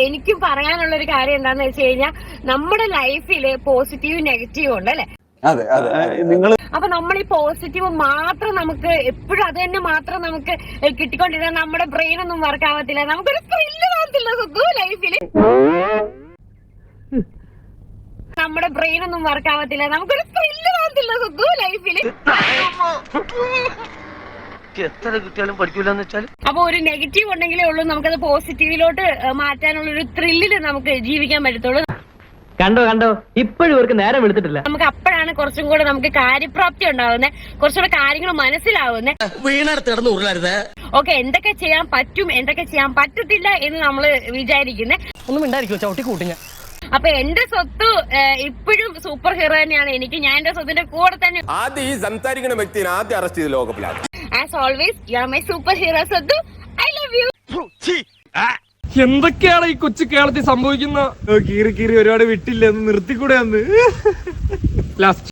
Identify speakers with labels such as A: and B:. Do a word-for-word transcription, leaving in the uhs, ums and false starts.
A: എനിക്കും പറയാനുള്ള ഒരു കാര്യം എന്താന്ന് വെച്ച് കഴിഞ്ഞാൽ നമ്മുടെ ലൈഫില് പോസിറ്റീവും നെഗറ്റീവും ഉണ്ട് അല്ലെ.
B: അതെ അതെ നിങ്ങൾ
A: അപ്പൊ നമ്മൾ ഈ പോസിറ്റീവ് മാത്രം നമുക്ക് എപ്പോഴും അത് തന്നെ മാത്രം നമുക്ക് കിട്ടിക്കൊണ്ടിരുന്ന നമ്മുടെ ബ്രെയിൻ ഒന്നും വർക്ക് ആവത്തില്ല, നമുക്കൊരു ത്രില്ല് കാണത്തില്ല സുഖു ലൈഫില്. നമ്മുടെ ബ്രെയിൻ ഒന്നും വർക്ക് ആവത്തില്ല, നമുക്കൊരു ത്രില്ല് കാണത്തില്ല സുഖു ലൈഫില്.
C: എത്ര കിട്ടിയാലും പഠിക്കൂലെന്ന് വെച്ചാൽ
A: അപ്പൊ ഒരു നെഗറ്റീവ് ഉണ്ടെങ്കിലേ ഉള്ളൂ നമുക്കത് പോസിറ്റീവിലോട്ട് മാറ്റാനുള്ള ഒരു ത്രില്ലില് നമുക്ക് ജീവിക്കാൻ പറ്റത്തുള്ളൂ.
D: കണ്ടോ കണ്ടോ ഇപ്പോഴും ഇവർക്ക് നേരം എടുത്തിട്ടില്ല.
A: നമുക്ക് അപ്പോഴാണ് കുറച്ചും കൂടെ നമുക്ക് കാര്യപ്രാപ്തി ഉണ്ടാവുന്നത്, കുറച്ചുകൂടെ കാര്യങ്ങൾ മനസ്സിലാവുന്നത്.
C: വീണടുത്തിടന്ന് ഉരുളരുത്.
A: ഓക്കെ, എന്തൊക്കെ ചെയ്യാൻ പറ്റും എന്തൊക്കെ ചെയ്യാൻ പറ്റത്തില്ല എന്ന് നമ്മൾ വിചാരിക്കുന്നത്.
D: ഒന്നും ഉണ്ടായിരിക്കോ ചവിട്ടി കൂട്ടിഞ്ഞ.
A: അപ്പൊ എന്റെ സ്വത്ത് ഇപ്പോഴും സൂപ്പർ ഹീറോ തന്നെയാണ് എനിക്ക്. ഞാൻ എന്റെ സ്വത്തിന്റെ കൂടെ തന്നെ.
E: ആദ്യം ഈ സംസാരിക്കുന്ന വ്യക്തിയെ ആദ്യം അറസ്റ്റ് ചെയ്ത് ലോകപ്പിലാണ്.
A: As always you are my super hero സ്വത്തു. I love you.
F: എന്തൊക്കെയാണ് ഈ കൊച്ചു കേരളത്തിൽ സംഭവിക്കുന്ന? കീറി കീറി ഒരുപാട് വിട്ടില്ല, ഒന്ന് നിർത്തിക്കൂടെ അന്ന് ലാസ്റ്റ്